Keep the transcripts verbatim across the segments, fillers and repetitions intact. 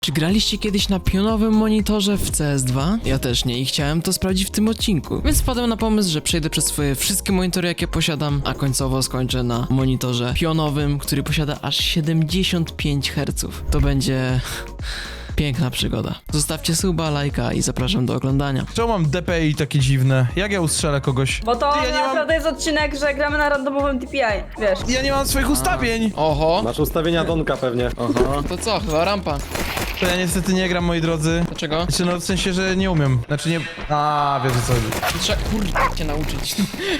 Czy graliście kiedyś na pionowym monitorze w C S dwa? Ja też nie i chciałem to sprawdzić w tym odcinku. Więc wpadłem na pomysł, że przejdę przez swoje wszystkie monitory, jakie posiadam, a końcowo skończę na monitorze pionowym, który posiada aż siedemdziesiąt pięć herców. To będzie... piękna przygoda. Zostawcie suba, lajka i zapraszam do oglądania. Czemu mam D P I takie dziwne? Jak ja ustrzelę kogoś? Bo to Ty, ja nie naprawdę mam... jest odcinek, że gramy na randomowym D P I, wiesz. Ja nie mam swoich ustawień! Oho, Masz ustawienia Donka pewnie. Aha. To co? Chyba rampa. To ja niestety nie gram, moi drodzy. Dlaczego? Znaczy, no w sensie, że nie umiem. Znaczy nie... A, wiesz o co chodzi. Trzeba kurde cię nauczyć.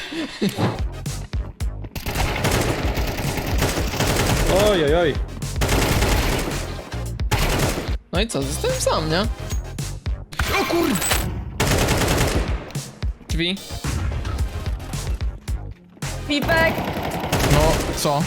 Oj, oj, oj. No i co? Zostałem sam, nie? O kurde! Drzwi. Pipek! No, co?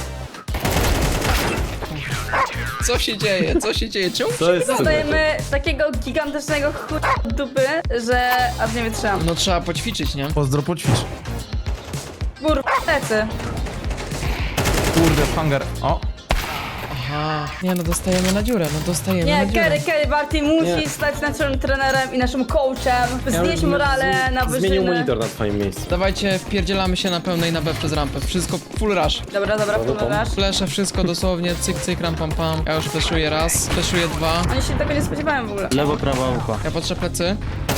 Co się dzieje? Co się dzieje? Czemu? To jest Dostajemy takiego gigantycznego chuja dupy, że aż nie wytrzymam. No trzeba poćwiczyć, nie? Pozdro, poćwicz. Kurwa, plecy. Kurde, w hangar. O! Aha. Nie no, dostajemy na dziurę, no dostajemy Nie, na dziurę. Kerry, Kerry Barty musi Nie. stać naszym trenerem i naszym coachem, Ja znieść bym morale z- na Zmienił wyżyny. monitor na twoim miejscu. Dawajcie, wpierdzielamy się na pełnej na B przez rampę. Wszystko full rush. Dobra, dobra, Dobra, pomagasz. Flesze, wszystko dosłownie, cyk, cyk, ram, pam, pam. Ja już fleszuję raz, fleszuję dwa. Oni się tego nie spodziewałem w ogóle. Lewo, prawo, ucho. Ja patrzę plecy.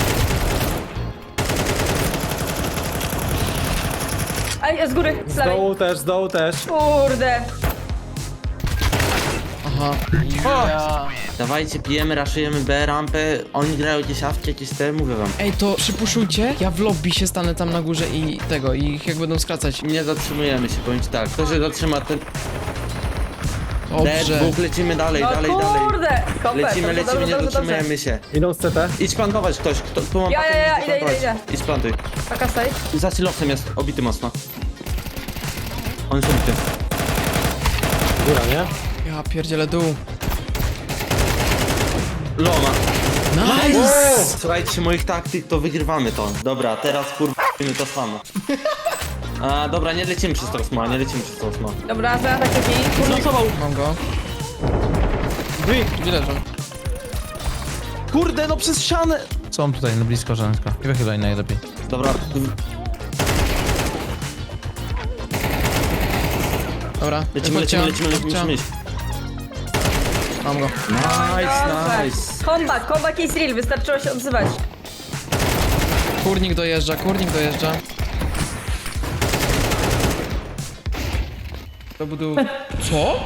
Ej, z góry, z Z lewej. dołu też, z dołu też. Kurde. Aha. Ja. Dawajcie, pijemy, raszujemy B, rampę. Oni grają gdzieś awcie, jakieś te, mówię wam. Ej, to przypuszczujcie, ja w lobby się stanę tam na górze i tego, i ich jak będą skracać. Nie zatrzymujemy się, powiem ci tak. Kto się zatrzyma, ten dead, Dobrze. dwóch, lecimy dalej, No dalej, dalej. kurde. Kopę, Lecimy, dobrze, lecimy, dobrze, nie dobrze, zatrzymujemy się. Idą z C T. Idź plantować ktoś, kto, tu mam Ja, pakę, ja, ja, idź idę, plantować. idę, Idź plantuj. Taka stoi. Za silosem jest, obity mocno. On jest obity. Góra, nie? Ja pierdzielę dół. Loma. Nice! Słuchajcie moich taktyk, to wygrywamy to. Dobra, teraz kurwa to samo. A, dobra, nie lecimy przez to sma, nie lecimy przez to sma. Dobra, zaraz tak taki. Mam go. Drzwi. Gdzie leżą? Kurde, no przez ścianę! Co mam tutaj, no blisko żoneczka. I wychylaj najlepiej. Dobra, Dobra, lecimy, chodźcie, lecimy, lecimy, lecimy, chodźcie. musimy iść. Mam go. Nice, nice. Comeback, comeback is real, wystarczyło się odzywać. Kurnik dojeżdża, kurnik dojeżdża. To budu... Co?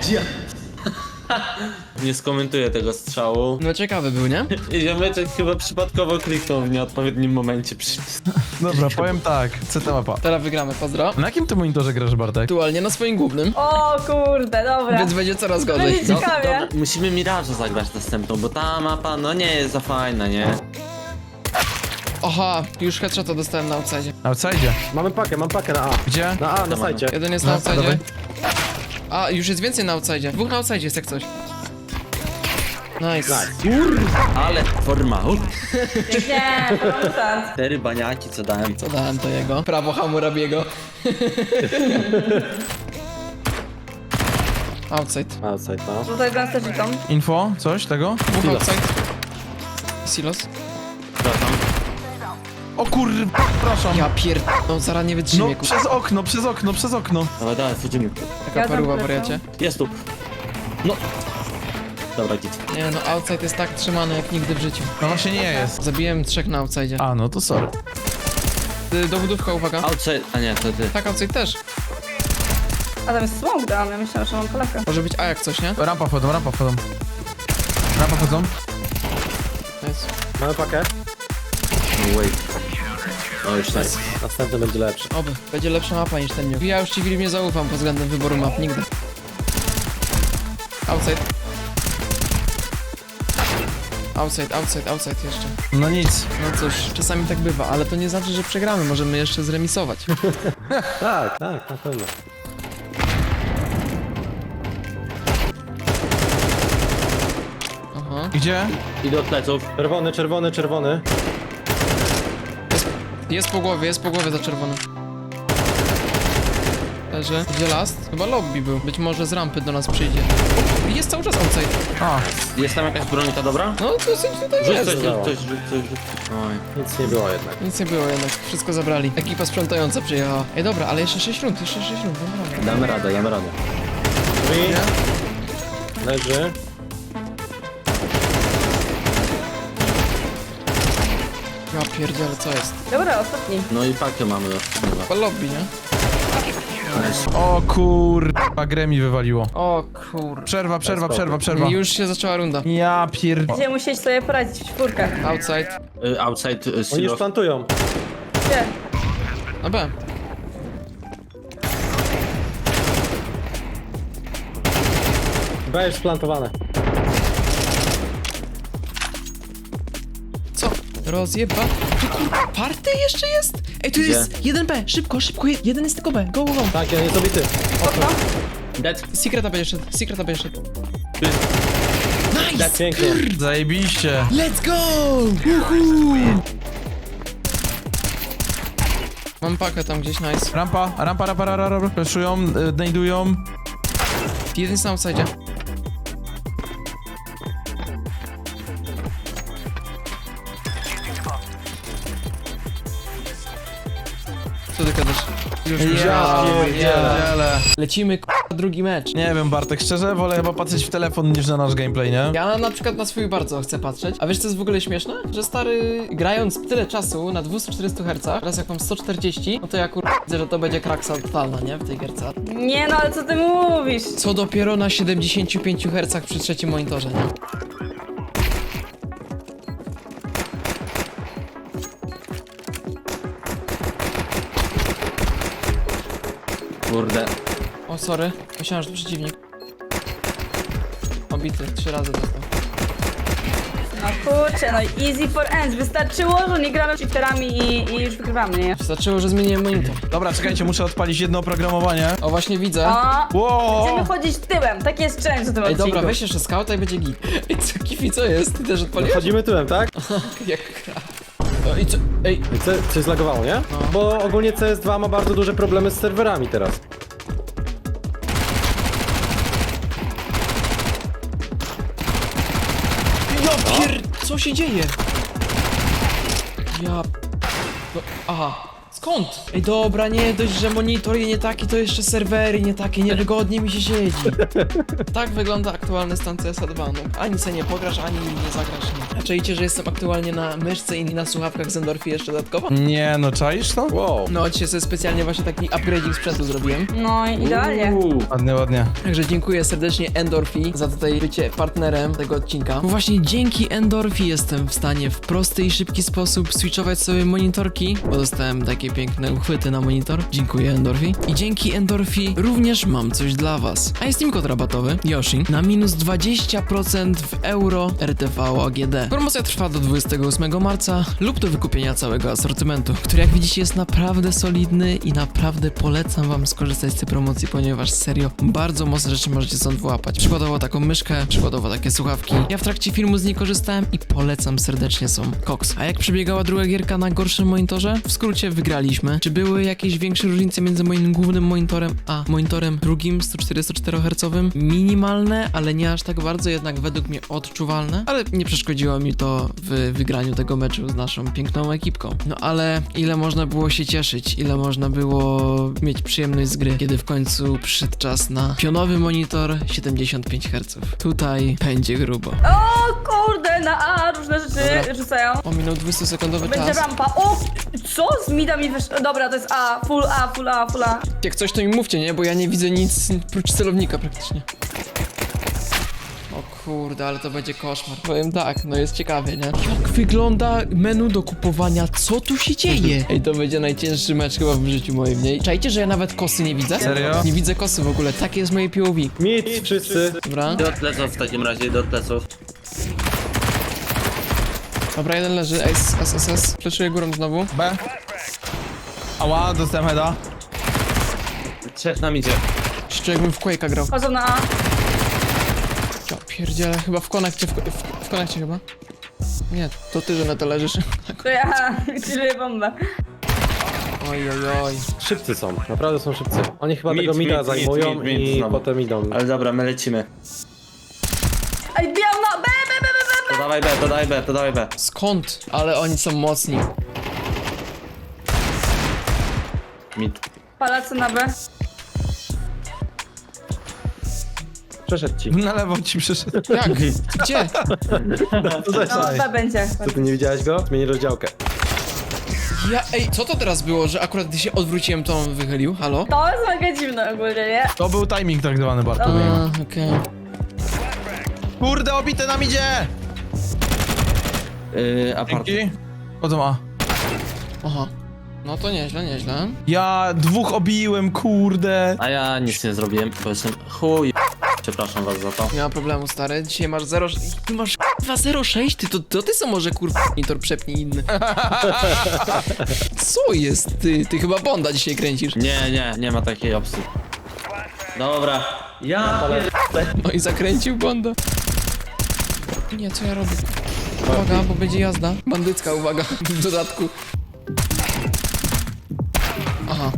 Nie skomentuję tego strzału. No ciekawy był, nie? Ziomeczek chyba przypadkowo kliknął w nieodpowiednim momencie przycisk. Dobra, powiem tak. C T mapa. Teraz wygramy, pozdro. Na jakim ty monitorze grasz, Bartek? Aktualnie na swoim głównym, O kurde, dobra. więc będzie coraz gorzej. Będzie No. ciekawie. Dobra, musimy Mirage'a zagrać następną, bo ta mapa no nie jest za fajna, nie? Aha, już headshota dostałem na outside. Outside. Mamy pakę, mam pakę na A. Gdzie? Na A, na sajcie. Jeden jest na No, outside. dawaj. A, już jest więcej na outside. Dwóch na outside jest jak coś. Nice. Ale forma. Uh, Nie, to start. cztery baniaki co dałem. Co dałem to jego? Prawo Hammurabiego. Outside. Outside, no. Tutaj gęsto dziką. Info? Coś tego? Dwóch Silos. outside. Silos. Przepraszam. O kur... Przepraszam. Ja pier... No zaraz nie wytrzymię, No kur... przez okno, przez okno, przez okno. Dawaj, dawaj, wchodzimy. Taka Ja paruwa, tam wariacie. Jest tu. No. Dobra, git. Nie no, outside jest tak trzymany jak nigdy w życiu. No właśnie nie jest. Zabiłem trzech na outside. A, no to sorry. Y, Dowódówka, uwaga. Outside, a nie, to ty. Tak, outside też. A tam jest smoke dam, ja myślałem, że mam Polaka. Może być A jak coś, nie? Rampa wchodzą, rampa wchodzą. Rampa wchodzą. Nice. Mamy pakę. No wait. No już tak. Następny będzie lepszy. Oby. Będzie lepsza mapa niż ten nuke. Ja już ci Grim nie zaufam pod względem wyboru map, nigdy. Outside. Outside, outside, outside jeszcze. No nic. No cóż, czasami tak bywa, ale to nie znaczy, że przegramy. Możemy jeszcze zremisować. Tak, tak, na pewno. Aha. Gdzie? Idę od pleców. Czerwony, czerwony, czerwony. Jest, jest po głowie, jest po głowie za czerwone. Leży. Gdzie last? Chyba lobby był. Być może z rampy do nas przyjdzie. Jest cały czas outside. A, Jest tam jakaś brońka dobra? No dosyć tutaj Rzuć jest. coś, dało. rzuć coś, rzuć coś, rzuć coś. Oj. Nic nie było jednak. Nic nie było jednak, wszystko zabrali. Ekipa sprzątająca przyjechała. Ej dobra, ale jeszcze sześć rund, jeszcze sześć rund, dobra. Damy radę, damy radę. Drzwi. Leży. Ja pierdzielę, co jest? Dobra, ostatni. No i pakę mamy. chyba. Chyba lobby, nie? o kurwa, grę mi wywaliło. O kur... Przerwa, przerwa, przerwa, przerwa. Już się zaczęła runda. Ja pierd... Będziemy musieć sobie poradzić w czwórkach. Outside. Y, Outside y, Oni już silo. plantują. Gdzie? Na B. B już splantowane. Co? Rozjeba... Ty kurwa, party jeszcze jest? Ej, tu Gdzie? jest jeden B, szybko, szybko, je- jeden jest tylko B, go, go, go. Tak, ja nie zabity. Okno? Dead. Secreta będzie szedł, secreta będzie szedł. Nice! Pięknie. Zajebiście. Let's go! Uhu! Mam pakę tam gdzieś, nice. Rampa, rampa, rampa, rampa, rampa. Preszują, y, znajdują. Jeden jest na outside. Co ty gadasz? Już Ja ja, pierdzielę. Lecimy k***a, drugi mecz. Nie wiem, Bartek, szczerze wolę chyba patrzeć w telefon niż na nasz gameplay, nie? Ja na przykład na swój bardzo chcę patrzeć. A wiesz co jest w ogóle śmieszne? Że stary, grając tyle czasu na dwieście czterdzieści hercach, teraz jak mam sto czterdzieści, no to ja kur... widzę, że to będzie kraksa totalna, nie? W tej gierce. Nie no, ale co ty mówisz? Co dopiero na siedemdziesięciu pięciu hercach przy trzecim monitorze, nie? Kurde. O, sorry. Myślałem, że to przeciwnik. Obity, trzy razy dostał. No kurczę, no easy for ends. Wystarczyło, że nie gramy cheaterami i, i już wygrywamy, nie? Wystarczyło, że zmieniłem monitor. Dobra, czekajcie, muszę odpalić jedno oprogramowanie. O, właśnie widzę. O! Wow! Chcemy chodzić tyłem, tak jest challenge w tym Ej, odcinku. dobra, weź jeszcze skauta i będzie git. Ej, co, Kifi, co jest? Ty też odpaliłeś? Chodzimy tyłem, tak? Jak gra. O, i co? Ej, I co, coś zlagowało, nie? Bo ogólnie C S dwa ma bardzo duże problemy z serwerami teraz. ja pier... Co się dzieje? Ja... No, aha. Skąd? Ej, dobra, nie dość, że monitor i nie taki, to jeszcze serwery nie takie, niewygodnie mi się siedzi. Tak wygląda aktualny stan C S dwa, no. Ani se nie pograsz, ani nie zagrasz, nie. A czajcie, że jestem aktualnie na myszce i na słuchawkach z Endorphi jeszcze dodatkowo? Nie, no czaisz to? Wow. No, dzisiaj sobie specjalnie właśnie taki upgrading sprzętu zrobiłem. No i idealnie. Uuu. Ładnie, ładnie. Także dziękuję serdecznie Endorphi za tutaj bycie partnerem tego odcinka. Bo właśnie dzięki Endorphi jestem w stanie w prosty i szybki sposób switchować sobie monitorki, bo dostałem takie piękne uchwyty na monitor. Dziękuję Endorphi. I dzięki Endorphi również mam coś dla was. A jest im kod rabatowy Yoshi na minus dwadzieścia procent w euro R T V A G D. Promocja trwa do dwudziestego ósmego marca lub do wykupienia całego asortymentu, który jak widzicie jest naprawdę solidny i naprawdę polecam wam skorzystać z tej promocji, ponieważ serio bardzo mocne rzeczy możecie stąd wyłapać. Przykładowo taką myszkę, przykładowo takie słuchawki. Ja w trakcie filmu z niej korzystałem i polecam serdecznie, są koks. A jak przebiegała druga gierka na gorszym monitorze? W skrócie wygraliśmy. Czy były jakieś większe różnice między moim głównym monitorem a monitorem drugim sto czterdziestoczterohercowym? Minimalne, ale nie aż tak bardzo, jednak według mnie odczuwalne. Ale nie przeszkodziło mi to w wygraniu tego meczu z naszą piękną ekipką. No ale ile można było się cieszyć, ile można było mieć przyjemność z gry, kiedy w końcu przyszedł czas na pionowy monitor siedemdziesiąt pięć herców. Tutaj będzie grubo. O kurde, na A różne rzeczy Dobra. rzucają. Ominął dwudziestosekundowy Będzie czas. rampa. O! Co? Z mida mi wyszło. Dobra, to jest A. Full A, full A, full A. Jak coś to mi mówcie, nie? Bo ja nie widzę nic prócz celownika praktycznie. O kurde, ale to będzie koszmar. Powiem tak, no jest ciekawie, nie? Jak wygląda menu do kupowania? Co tu się dzieje? Ej, to będzie najcięższy mecz chyba w życiu moim, nie? Czajcie, że ja nawet kosy nie widzę? Serio? Nie widzę kosy w ogóle, takie jest moje P O V. Mit wszyscy. Dobra, Idę od pleców w takim razie, idę od pleców. dobra, jeden leży, S, S, S, S. Fleszuję górą znowu. B. Ała, dostałem heada. Trzech nam idzie. Jeszcze jakbym w Quake'a grał. Chodzą na A. Ja pierdzielę, chyba w konekcie, w, w, w konekcie chyba. Nie, to ty, że na to leżysz. To ja chilluję bombę. Oj, oj, oj. Szybcy są, naprawdę są szybcy. Oni chyba Mid, tego mida mid, zajmują mid, mid, mid i znowu. potem idą. Ale dobra, my lecimy. Ej, biał na B, B, B, B, B. To dawaj B, to dawaj B, to dawaj B. Skąd? Ale oni są mocni. Mid. Pałacu na B. Przeszedł ci. Na lewo ci przyszedł. Jak? Gdzie? No, B będzie. Co ty nie widziałeś go? Zmieni rozdziałkę. Ja, ej, co to teraz było, że akurat gdy się odwróciłem, to on wychylił? Halo? To jest mega dziwne ogólnie, nie? To był timing tak zwany, Bartu. A, okej. Kurde, obite nam idzie! Yy, apart. Dzięki. Chodzą A. Aha. No to nieźle, nieźle. Ja dwóch obiłem, kurde. A ja nic nie zrobiłem, bo jestem chuj. Przepraszam was za to. Nie ma problemu, stary. Dzisiaj masz zero... Ty masz dwa zero sześć? Ty to, to ty co może kurwa monitor przepnij inny. Co jest ty? Ty chyba Bonda dzisiaj kręcisz. Nie, nie, nie ma takiej opcji. Dobra. Ja No i zakręcił Bonda. Nie, co ja robię? Uwaga, bo będzie jazda. Bandycka, uwaga, w dodatku. Aha,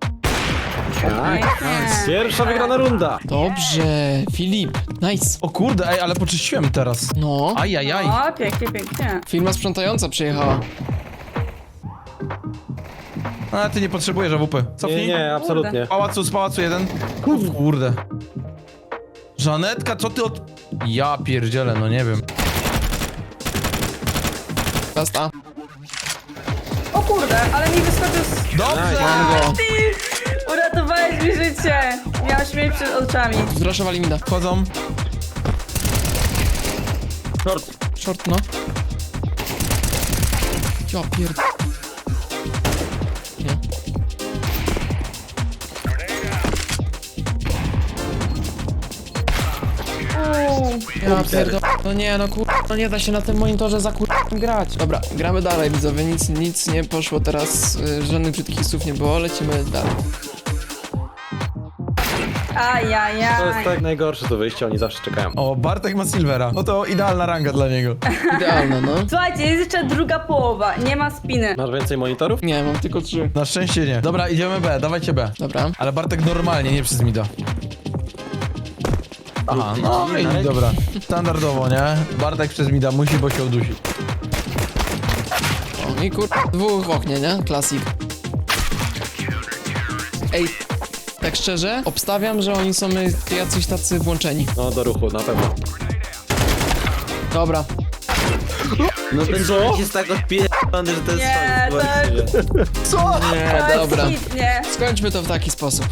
Nice. Pierwsza wygrana runda. dobrze, Filip, nice. O kurde, ej, ale poczyściłem teraz. No, Ajajaj. O, pięknie, pięknie. firma sprzątająca przyjechała. A ty nie potrzebujesz A W P. Nie, Cofnij. nie, absolutnie. Z pałacu, z pałacu jeden. O kurde. Żanetka, co ty od... Ja pierdzielę, no nie wiem. Last A. O kurde, ale mi wyskoczył z... Dobrze! Mam go. Ty! Uratowałeś mi życie! Miałam śmierć przed oczami. Zraszowali mi da. Wchodzą. Short. Short, no. Ja pierd... Nie. Uuu. Ja pierdol... No nie, no kur... No nie da się na tym monitorze za kur... grać. Dobra, gramy dalej, widzowie. Nic, nic nie poszło teraz. y, Żadnych brzydkich słów nie było. Lecimy dalej. To jest Ajajaj. tak najgorsze to wyjście, oni zawsze czekają. O, Bartek ma Silvera. No to idealna ranga dla niego. Idealne, no. Słuchajcie, jest jeszcze druga połowa. Nie ma spiny. Masz więcej monitorów? Nie, mam tylko trzy. Na szczęście nie. Dobra, idziemy B, dawajcie B. Dobra. Ale Bartek normalnie, nie przez mida. Aha, no i dobra. Standardowo, nie? Bartek przez mida musi, bo się udusi. O, i kur... dwóch w oknie, nie? Klasik. Ej, tak szczerze, obstawiam, że oni są y, jacyś tacy włączeni. No do ruchu, na pewno. Dobra. No ten człowiek jest tak odpierdolony, że to jest Nie, szok. to- Co? Nie, To jest dobra. hit, nie. Skończmy to w taki sposób.